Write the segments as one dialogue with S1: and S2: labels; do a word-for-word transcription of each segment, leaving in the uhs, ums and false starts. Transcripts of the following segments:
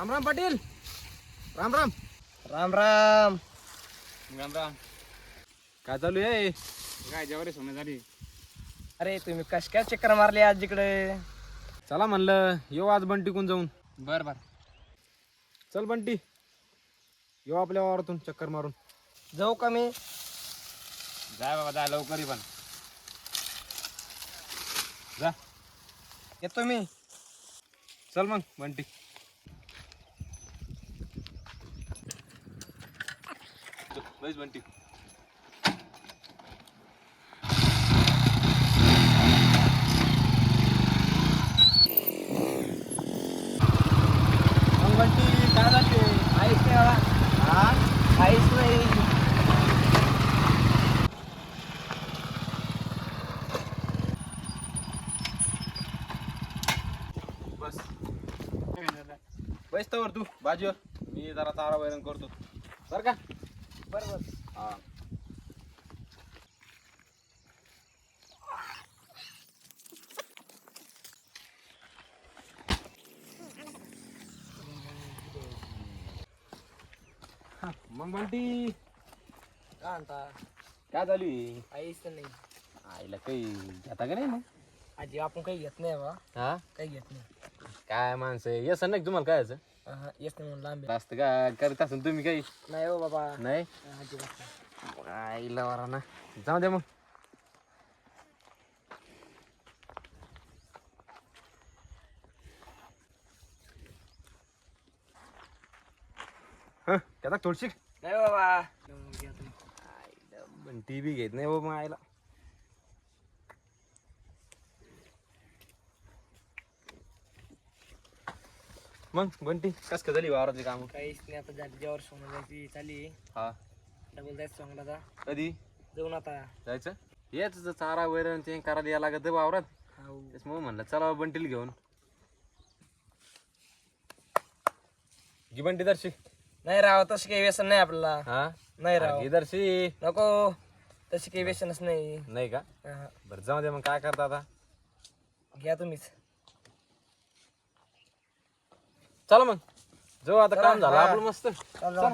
S1: राम राम पाटील. राम राम
S2: राम राम
S1: राम राम. काय चालू आहे? काय जेवारी सोनं झाली.
S2: अरे तुम्ही कश काय चक्कर मारली आज इकडे?
S1: चला म्हणलं येऊ आज बंटीकून जाऊन.
S2: बर बर
S1: चल बंटी, येऊ आपल्या वावरातून चक्कर मारून.
S2: जाऊ का मी?
S1: जाय बाबा जाय लवकरी पण जा.
S2: येतो मी.
S1: चल मग बंटी. बस बंटी.
S2: मग बंटी काय झाले? काहीच नाही बाबा. हा काहीच नाही.
S1: बस बस तर तू बाजूवर, मी जरा चारा वैरण करतो बर का.
S2: बरोबर.
S1: हा मग बंटी
S2: काय म्हणता?
S1: काय चालू आहे?
S2: काहीच नाही.
S1: आईला काही घेता का नाही मग?
S2: आजी आपण काही घेत नाही बा.
S1: हा
S2: काही घेत नाही.
S1: काय माणसं आहे येस नाही तुम्हाला काय याचं
S2: हा येस नाही म्हणून लांब
S1: जास्त का करत असेल तुम्ही काही
S2: नाही हो बाबा.
S1: नाही.
S2: अजिबात नाही.
S1: आईला वरा ना जाऊ दे मग. हं त्याला थोडशी
S2: नाही हो बाबा. घ्या तुम्ही.
S1: पण टी व्ही घेत नाही बाबा आईला. मग बंटी कस का झाली वावरातली काम?
S2: काहीच नाही. आता जागेवर सोनं जायची चाली.
S1: हा
S2: डबल जायचं सोंगला.
S1: कधी
S2: जाऊन आता.
S1: जायचं? हेच चारा वैरण ते करायला या लागत वावरात.
S2: हो.
S1: त्याच्यामुळे म्हणलं चला बंटीला घेऊन. घे बंटी दर्शी.
S2: नाही राव तशी काही व्यसन नाही आपल्याला.
S1: हा
S2: नाही राव
S1: घे दर्शी.
S2: नको. तशी काही व्यसनच नाही.
S1: नाही का?
S2: हा.
S1: बरं जाऊ दे मग काय करता आता.
S2: घ्या तुम्हीच.
S1: चला मग जाऊ आता. काम झालं
S2: हा.
S1: आपलं मस्त.
S2: चला.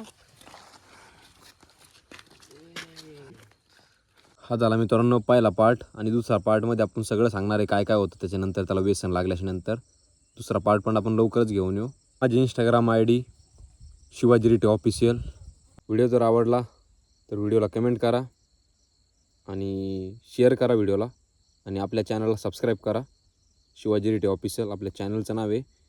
S3: हा झाला मित्रांनो पहिला पार्ट. आणि दुसरा पार्टमध्ये आपण सगळं सांगणार आहे काय काय होतं त्याच्यानंतर त्याला व्यसन लागल्याच्या नंतर. दुसरा पार्ट पण आपण लवकरच घेऊन येऊ. माझी इंस्टाग्राम आय डी शिवाजी रिटे ऑफिशियल. व्हिडिओ जर आवडला तर व्हिडिओला कमेंट करा आणि शेअर करा व्हिडिओला. आणि आपल्या चॅनलला सबस्क्राईब करा. शिवाजी रिटे ऑफिशियल आपल्या चॅनलचं नाव आहे.